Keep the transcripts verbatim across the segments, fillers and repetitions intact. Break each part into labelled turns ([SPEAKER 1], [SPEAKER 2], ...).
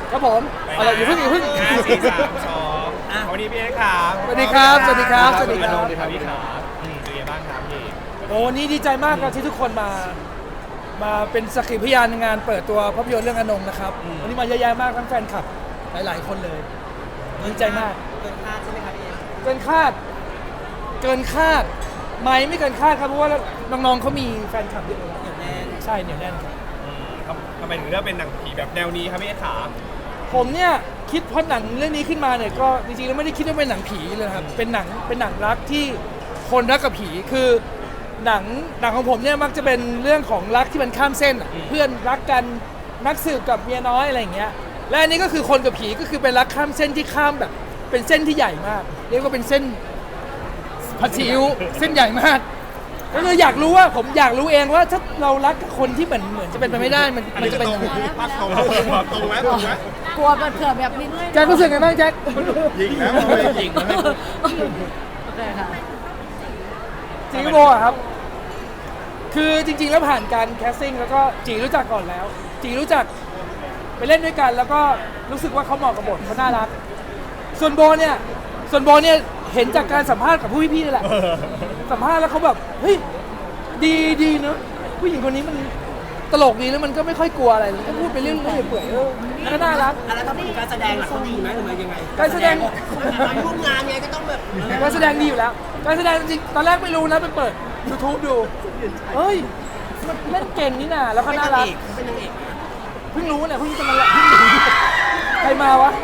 [SPEAKER 1] ครับผมอะไรอยู่เพิ่งอยู่เพิ่ง
[SPEAKER 2] ห้าสี่สามสองวันนี้พี่เอ็กซ์ครับ
[SPEAKER 1] สวัสดีครับสวัสดีครับสวัสดีครับ
[SPEAKER 2] สวัสดีครับพี่ครับอืมเป็นไงบ้างครับพี่
[SPEAKER 1] โอ้วันนี้ดีใจมากครับที่ทุกคนมา มาเป็นสักขีพยานในงานเปิดตัวภาพยนตร์เรื่องอนงนะครับวันนี้มาเยอะแยะมากทั้งแฟนคลับหลายๆคนเลยดีใจมาก
[SPEAKER 3] เกินคาดใช่ไหมครับพี่เอ
[SPEAKER 1] เกินคาด เกินคาดไหมไม่เกินคาดครับเพราะว่าน้องๆเขามีแฟนคลับเยอะเลย
[SPEAKER 3] เหนียวแน่น
[SPEAKER 1] ใช่เหนียวแน่นครับ
[SPEAKER 2] อืมทำทำไมถึงเลือกเป็นหนังผีแบบแนวนี้ครับพี่เอ็กซ์ขา
[SPEAKER 1] ผมเนี่ยคิดเพราะหนังเรื่องนี้ขึ้นมาเนี่ยก็จริงๆแล้วไม่ได้คิดว่าเป็นหนังผีเลยครับเป็นหนังเป็นหนังรักที่คนรักกับผีคือหนังหนังของผมเนี่ยมักจะเป็นเรื่องของรักที่มันข้ามเส้นอะเพื่อนรักกันนักสืบกับเมียน้อยอะไรอย่างเงี้ยและอันนี้ก็คือคนกับผีก็คือเป็นรักข้ามเส้นที่ข้ามแบบเป็นเส้นที่ใหญ่มากเรียกว่าเป็นเส้นผัดซีอิ๊วเส้นใหญ่มากก็คืออยากรู้ว่าผมอยากรู้เองว่าถ้าเรารักกับคนที่เหมือนเหมือนจะเป็นไปไม่ได้มันมันจะเป็นยังไง
[SPEAKER 2] ปักตรงปักตรงไหมตรงไหม
[SPEAKER 4] กลัวเผื่อแบบนี้
[SPEAKER 1] แจ็ครู้สึกไงบ้างแจ็ค
[SPEAKER 2] ยิงแล้วไม่ยิงแล้วไม่
[SPEAKER 4] โอเคค่ะ
[SPEAKER 1] สิงคโปร์อะครับ คือจริงๆแล้วผ่านการแคสติ้งแล้วก็จีรู้จักก่อนแล้ว จีรู้จักไปเล่นด้วยกันแล้วก็รู้สึกว่าเขาเหมาะกับบทเขาน่ารัก ส่วนโบเนี่ย ส่วนโบเนี่ยเห็นจากการสัมภาษณ์กับผู้พี่ๆนี่แหละ สัมภาษณ์แล้วเขาแบบเฮ้ยดีดีเนอะผู้หญิงคนนี้มันตลกดีแล้วมันก็ไม่ค่อยกลัวอะไรเลยก็พูดไปเรื่อยๆเปื่อยๆเออแล้วก็น่ารัก
[SPEAKER 3] อ่ะแล้วถ้าพูดถึงการแสดงล่ะเขาดีไหมหรือว่ายังไง
[SPEAKER 1] การแสดง
[SPEAKER 3] ร่วมงานไงก็ต้องแบบ
[SPEAKER 1] การแสดงดีอยู่แล้ว การแสดงจริงๆตอนแรกไม่รู้นะไปเปิด YouTube ดู เฮ้ยมันเล่นเก่งนี่น่ะแล้วก็
[SPEAKER 3] เป็น
[SPEAKER 1] น่า
[SPEAKER 3] นา
[SPEAKER 1] รั
[SPEAKER 3] ง
[SPEAKER 1] ก
[SPEAKER 3] เอกเขาเป็นนางเอก
[SPEAKER 1] เพิ่งรู้เนี่ยเพิ่งจะมาละเพิ่งรู้ใครมาวะ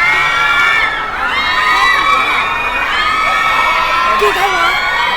[SPEAKER 4] กี่ใครวะ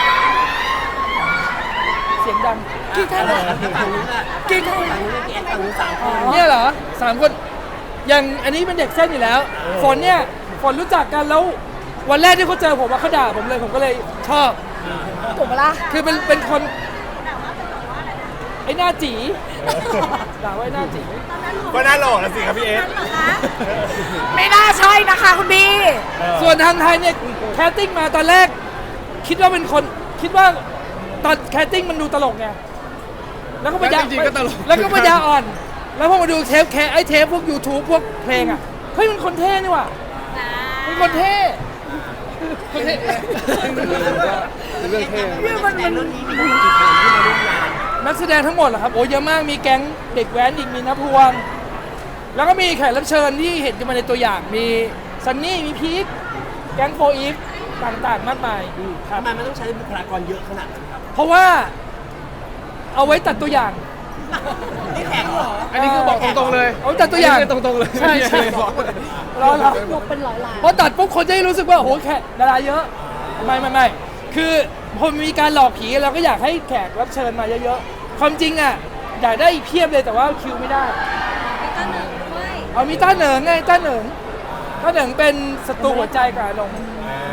[SPEAKER 1] เสียงดัง
[SPEAKER 4] กี่ใครวะ
[SPEAKER 3] ฝั่งนู้นอ่ะ
[SPEAKER 4] กี่ใคร
[SPEAKER 3] ฝั่งนู้นเอกฝั่งนู้นสามคน
[SPEAKER 1] เนี่ยเหรอสามคนอย่างอันนี้เป็นเด็กเส้นอยู่แล้ว ฝนเนี่ยฝนรู้จักกันแล้ววันแรกที่เขาเจอผมว่าเขาด่าผมเลยผมก็เลยชอบ
[SPEAKER 4] ถูกปะล่ะ
[SPEAKER 1] คือเป็นเป็นคนไอ้หน้าจีด่าว่าไอ้หน้าจี
[SPEAKER 2] ก็น่าหล่อแล้วสิครับพี่เอ็กซ์
[SPEAKER 4] ไม่น่าใช่นะคะคุณบี
[SPEAKER 1] ส่วนทางไทยเนี่ยแคสติ้งมาตอนแรก คิดว่าเป็นคนคิดว่าตอนแคสติ้งมันดูตลกไงแล้วก็ปัญญาแล้วก็ปัญญาอ่อน แล้วพอมาดูเทปแคไอเทปพวก YouTube พวกเพลงอ่ะเฮ้ยมันคนเท่นี่ว่ะมันคนเท่คนเท่
[SPEAKER 3] เรื่องเท่เรื่องมันเรื่องนี้มีทั้งหมดกี่คนที่มาร่วมงาน
[SPEAKER 1] นักแสดงทั้งหมดเหรอครับโอ้เยอะมากมีแก๊งเด็กแว้นอีกมีนภวง แล้วก็มีแขกรับเชิญที่เห็นกันมาในตัวอย่างมีซันนี่มีพีคแก๊งโฟอีฟต่างๆมากมายครับ
[SPEAKER 3] ทำไมมันต้องใช้บุคลากรเยอะขนาดนั้นครับ
[SPEAKER 1] เพราะว่าเอาไว้ตัดตัวอย่าง
[SPEAKER 3] นี่แขกเหรอ
[SPEAKER 5] อันนี้คือบอกตรงๆเลย
[SPEAKER 1] เอาตัดตัวอย่าง
[SPEAKER 5] ตรงๆเลย
[SPEAKER 1] ใช่ใช่รอรอย
[SPEAKER 4] กเป็นร้อยล้าน
[SPEAKER 1] เพราะตัดปุ๊บคนจะได้รู้สึกว่าโอ้โหแขกดาราเยอะไม่ไม่ไม่คือพอมีการหลอกผีเราก็อยากให้แขกรับเชิญมาเยอะๆความจริงอ่ะอยากได้อีกเพียบเลยแต่ว่าคิวไม่ได้
[SPEAKER 4] ต้นหนึ่งด้วย
[SPEAKER 1] เอามีต้าเหนิงไงต้าเหนิงต้าเหนิงเป็นศัตรูหัวใจกับอาลง
[SPEAKER 3] นาง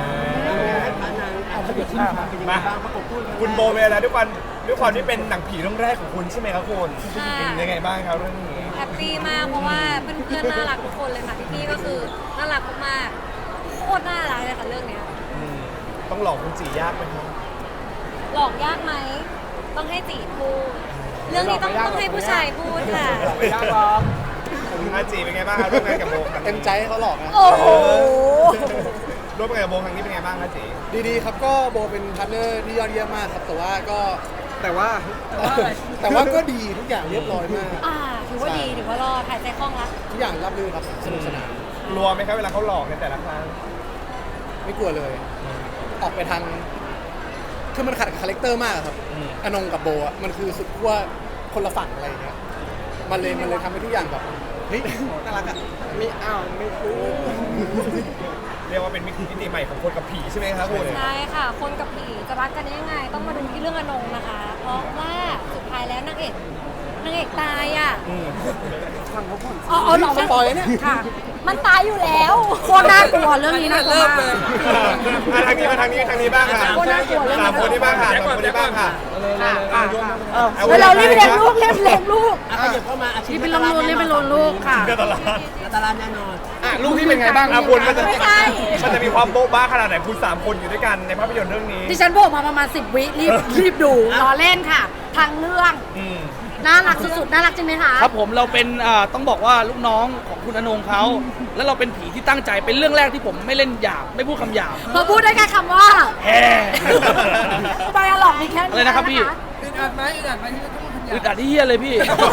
[SPEAKER 3] อาจจะเป็นที่มาเป็นยังไงบ้างประกบคู่กัน
[SPEAKER 2] คุณโบเวลาด้วยความด้วยความที่เป็นหนังผีเรื่องแรกของคุณใช่ไหมครับคุณเป็นยังไงบ้างครับเรื่องนี้
[SPEAKER 6] แฮปปี้มากเพราะว่าเพื่อนๆน่ารักทุกคนเลยค่ะพี่ๆก็คือน่ารักมากๆโคตรน่ารักเลยค่ะเรื่องเนี้ย
[SPEAKER 2] อืมต้องหลอกคุณจียากไหมครับ
[SPEAKER 6] หลอกยากไหมต้องให้จีพูดเรื่องนี้ต้องต้องให้ผู้ชายพูดค่ะ
[SPEAKER 1] ไม่ยากหรอก
[SPEAKER 2] อาจีเป็นไงบ้างครับร่วมงานกับโบครั้งนี้
[SPEAKER 5] เต็มใจให้เขาหลอกนะ
[SPEAKER 4] โอ้โห
[SPEAKER 2] ร่วมงานกับโบครั้งนี้เป็นไงบ้างครับจี
[SPEAKER 5] ดีๆครับก็โบเป็นพาร์ทเนอร์ที่ยอดเยี่ยมมากครับ แต่ว่าก็แต่ว่า
[SPEAKER 1] แต่ว่าอะไร
[SPEAKER 5] แต่ว่าก็ดีทุกอย่างเรียบร้อยมาก
[SPEAKER 6] อ่าถือว่าดีถือว่ารอดหายใจคล่องละ
[SPEAKER 5] ทุกอย่างรับรื่นครับสนุกสนาน
[SPEAKER 2] กลัวไหมครับเวลาเขาหลอกในแต่ละครั้ง
[SPEAKER 5] ไม่กลัวเลย ออกไปทางคือมันขัดกับคาแรคเตอร์มากครับ
[SPEAKER 2] อืม
[SPEAKER 5] อนงกับโบอ่ะมันคือสุดขั้วคนละฝั่งอะไรอย่างเงี้ยมันเลยมันเลยทำให้ทุกอย่างแบบเฮ้ยน่ารักอ่ะไม่อ้าวไม่รู้
[SPEAKER 2] เรียกว่าเป็นมิติใหม่ของคนกับผีใช่ไหมครับคุณ
[SPEAKER 6] ใช่ค่ะ คนกับผีจะรักกันได้ยังไง ต้องมาดูที่เรื่องอนงนะคะ เพราะว่าสุดท้ายแล้วนางเอกนางเอกตายอ่ะ
[SPEAKER 2] อืม
[SPEAKER 4] อ๋อหรอ
[SPEAKER 5] สปอยล์เนี่ย
[SPEAKER 4] ค่ะ มันตายอยู่แล้วโคตรน่ากลัวเรื่องนี้น่ากลัวมาก
[SPEAKER 2] อ่ะทางนี้มาทางนี้ทางนี้บ้างค่ะ
[SPEAKER 4] โคตรน่ากลัวเรื่อง
[SPEAKER 2] สามคนนี้บ้างค่ะสามคนนี้บ้างค่ะ
[SPEAKER 1] เอา
[SPEAKER 4] เฮ้ยเรารีบเลี้ยงลูกรีบเลี้ยงลูก
[SPEAKER 3] อ่ะขยับเข้ามาอาชีพ
[SPEAKER 4] รีบเป็นลงรูนรีบเป็นลงลูกค่ะ
[SPEAKER 2] เดือดตลาด
[SPEAKER 3] นาตาลาแน่นอน
[SPEAKER 5] อ่ะลูกพี่เป็นไงบ้าง
[SPEAKER 2] อ่ะคุณมันจะ
[SPEAKER 4] ไม่ใช่
[SPEAKER 2] มันจะมีความโบ๊ะบ้าขนาดไหนคุณสามคนอยู่ด้วยกันในภาพยนตร์เรื่องนี้
[SPEAKER 4] ดิฉันโผล่มาประมาณสิบวิรีบรีบดูรอเล่นค่ะ ทางเรื่อง
[SPEAKER 2] อืม
[SPEAKER 4] น่ารักสุดๆน่ารักจริงไหมคะ
[SPEAKER 3] ครับผมเราเป็นอ่าต้องบอกว่าลูกน้องของคุณอนงเขาแล้วเราเป็นผีที่ตั้งใจเป็นเรื่องแรกที่ผมไม่เล่นหยาบไม่พูดคำหยาบ
[SPEAKER 4] พอพูดได้แค่คำว่า
[SPEAKER 3] แฮ่
[SPEAKER 4] ไดอะล็อกมีแค่
[SPEAKER 3] อะไรนะครับพี่
[SPEAKER 1] อึดอัดไหมอึดอัดไหมที่ต้องทำ
[SPEAKER 3] อึดอัดที่เฮียเลยพี่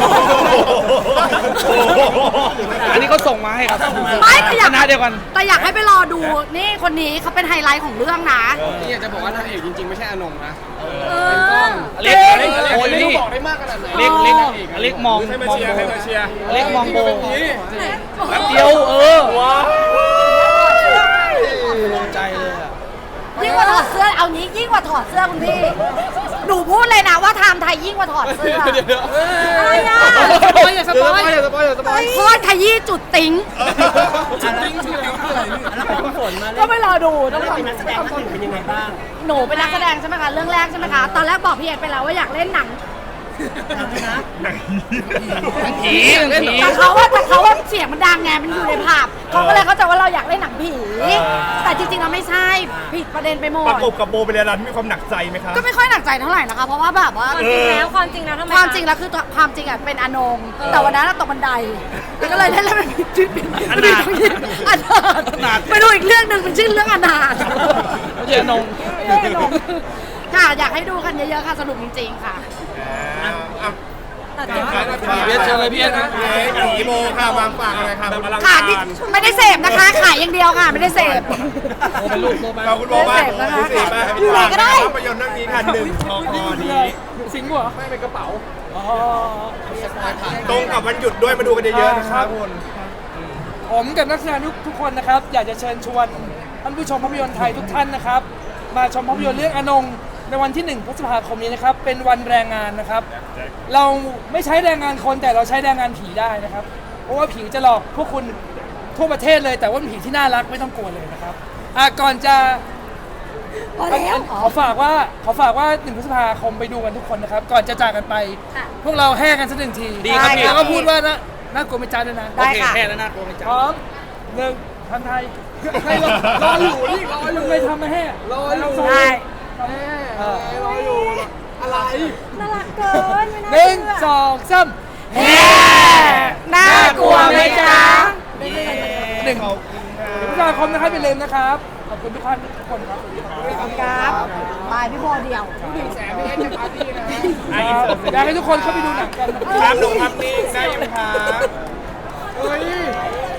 [SPEAKER 3] อันนี้เขาส่งมาให้ครับ
[SPEAKER 4] ไม่แต่อยาก
[SPEAKER 3] คณะเดียวกัน
[SPEAKER 4] แต่อยากให้ไปรอดูนี่คนนี้เขาเป็นไฮไลท์ของเรื่องนะ
[SPEAKER 5] นี่อยากจะบอกว่านางเอกจริงๆ ไม่ใช่อนงนะ
[SPEAKER 4] เออ
[SPEAKER 3] อเล็กอเล็กโอ้ย
[SPEAKER 5] ไม่
[SPEAKER 3] นี่
[SPEAKER 5] รู้บอกได้มากขนาดไหน
[SPEAKER 3] อเล็กเล็กอเล็กมอง
[SPEAKER 2] ให้มาม
[SPEAKER 3] อง
[SPEAKER 2] เชีย
[SPEAKER 3] โบ
[SPEAKER 2] ร์ให้มาเชียร์
[SPEAKER 3] อเล็กมองโบ
[SPEAKER 5] นี่
[SPEAKER 3] แป๊บเดียวเออ
[SPEAKER 2] ว้าว
[SPEAKER 3] ตกใจเลยอะ
[SPEAKER 4] ยิ่งกว่าถอดเสื้อเอานี้ยิ่งกว่าถอดเสื้อคุณพี่หนูพูดเลยนะว่าไทม์ไทยยิ่งกว่าถอดเสื้ออะไรอ่ะ
[SPEAKER 3] สปอยอย่าสปอยอย่าสปอยอย่าสปอย
[SPEAKER 4] โคตรขยี้จุดติ้ง
[SPEAKER 1] จุดติ้งชื่ออะไรนี่
[SPEAKER 7] แล้วพอพี่ฝนมา
[SPEAKER 4] ก็ไม่รอดูต้อง
[SPEAKER 7] แล้ว
[SPEAKER 4] รอ
[SPEAKER 7] เป็นนักแสดงท่านหนึ่งเป็นยังไงบ้าง
[SPEAKER 4] หนูเป็นนักแสดงใช่ไหมคะเรื่องแรกใช่ไหมคะตอนแรกบอกพี่เอกไปแล้วว่าอยากเล่นหนัง
[SPEAKER 3] ผีเล่นผี
[SPEAKER 4] แต่เขาว่าแต่เขาว่าเสียงมันดังไงมันอยู่ในภาพเขาก็เลยเข้าใจว่าเราอยากเล่นหนังผีแต่จริงๆเราไม่ใช่ผิดประเด็นไปหม
[SPEAKER 2] ประ
[SPEAKER 4] ด
[SPEAKER 2] กบกับโบเป็นอะไรที่มีความหนักใจไหมคะ
[SPEAKER 4] ก็ไม่ค่อยหนักใจเท่าไหร่นะคะ เพราะว่าแบบว่า
[SPEAKER 6] ความจริงแล้วความจริงแล้วทำไม
[SPEAKER 4] ความจริงแล้วคือตัวความจริงอ่ะเป็นอนงแต่วันนั้นอะตกบันไดแล้วก็เลยเล่นแล้วเป็นชื่ออนาถอนาถไปดูอีกเรื่องหนึ่งเป็นชื่อเรื่องอนาถ
[SPEAKER 3] ไม่ใช่อนง
[SPEAKER 4] เรื่องอนงค่ะอยากให้ดูกันเยอะๆค่ะสนุกจริงๆค่ะ
[SPEAKER 2] อ่าอ่ะ
[SPEAKER 6] ตัดเจ็บ
[SPEAKER 3] พี่เอสเชิญเลยพี่เอสนะ
[SPEAKER 2] เอ๊ะผีโบค่ะวางฝากอะไรค่ะแบบอลัง
[SPEAKER 4] ค่ะ
[SPEAKER 2] การ
[SPEAKER 4] นี่ไม่ได้เสพนะคะ ขายอย่างเดียวค่ะ ไม่ได้เสพ
[SPEAKER 3] โบเป็นลูกโบมา
[SPEAKER 2] เราคุณโบบ้าง
[SPEAKER 4] เสพนะคะ
[SPEAKER 2] คุณสีบ้าง
[SPEAKER 4] อยู่ไหนก็ได้
[SPEAKER 2] ภาพยนตร์เรื่องนี้ค่ะหนึ่งทองคอนี้
[SPEAKER 1] สิงห์เหรอ
[SPEAKER 5] ไม่เป็นกระเป๋า
[SPEAKER 1] อ๋อ
[SPEAKER 2] ตรงกับวันหยุดด้วยมาดูกันเยอะๆนะครับคุณ
[SPEAKER 1] ผมกับนักแสดงทุกทุกคนนะครับ อยากจะเชิญชวนท่านผู้ชมภาพยนตร์ไทยทุกท่านนะครับ มาชมภาพยนตร์เรื่องอนงในวันที่หนึ่งพฤษภาคมนี้นะครับ เป็นวันแรงงานนะครับ เราไม่ใช้แรงงานคนแต่เราใช้แรงงานผีได้นะครับ เพราะว่าผีจะหลอกพวกคุณทั่วประเทศเลย แต่ว่าเป็นผีที่น่ารักไม่ต้องกลัวเลยนะครับอ่ะก่อนจะ
[SPEAKER 4] พอแล้ว
[SPEAKER 1] ขอฝากว่าขอฝากว่าหนึ่งพฤษภาคมไปดูกันทุกคนนะครับ ก่อนจะจากกันไป
[SPEAKER 4] ค่ะ
[SPEAKER 1] พวกเราแห่กันสักหนึ่งที
[SPEAKER 3] ดีครับพี่
[SPEAKER 1] แล้วก็พูดว่านะน่ากลัวไม่จ้าด้วยนะ
[SPEAKER 3] โอเคแค่แล้วนะโกงไม่จั
[SPEAKER 1] พร้อมหนึ่งทำไทยให้รอรออยู่นี่รออยู่ไม่ทำมาแห่รออยู่
[SPEAKER 4] ได้
[SPEAKER 1] เออ
[SPEAKER 5] รออยู่อะไร
[SPEAKER 6] น่ารักเกินไม่น่า
[SPEAKER 1] หนึ่ง
[SPEAKER 6] เชื่อ
[SPEAKER 1] สองสาม
[SPEAKER 4] แฮ่น่ากลัวไหมจ๊ะ
[SPEAKER 1] หนึ่งพฤษภาคมนะครับอย่าลืมนะครับ ขอบคุณทุกท่านทุกคนครับ
[SPEAKER 4] ครับบายพี่โบเดียว
[SPEAKER 1] ครับอยากให้ทุกคนเข้าไปดูหนังกันนะครับ
[SPEAKER 2] ครับหนุ่มครับนี่ได้ยังครับ
[SPEAKER 1] เฮ้ย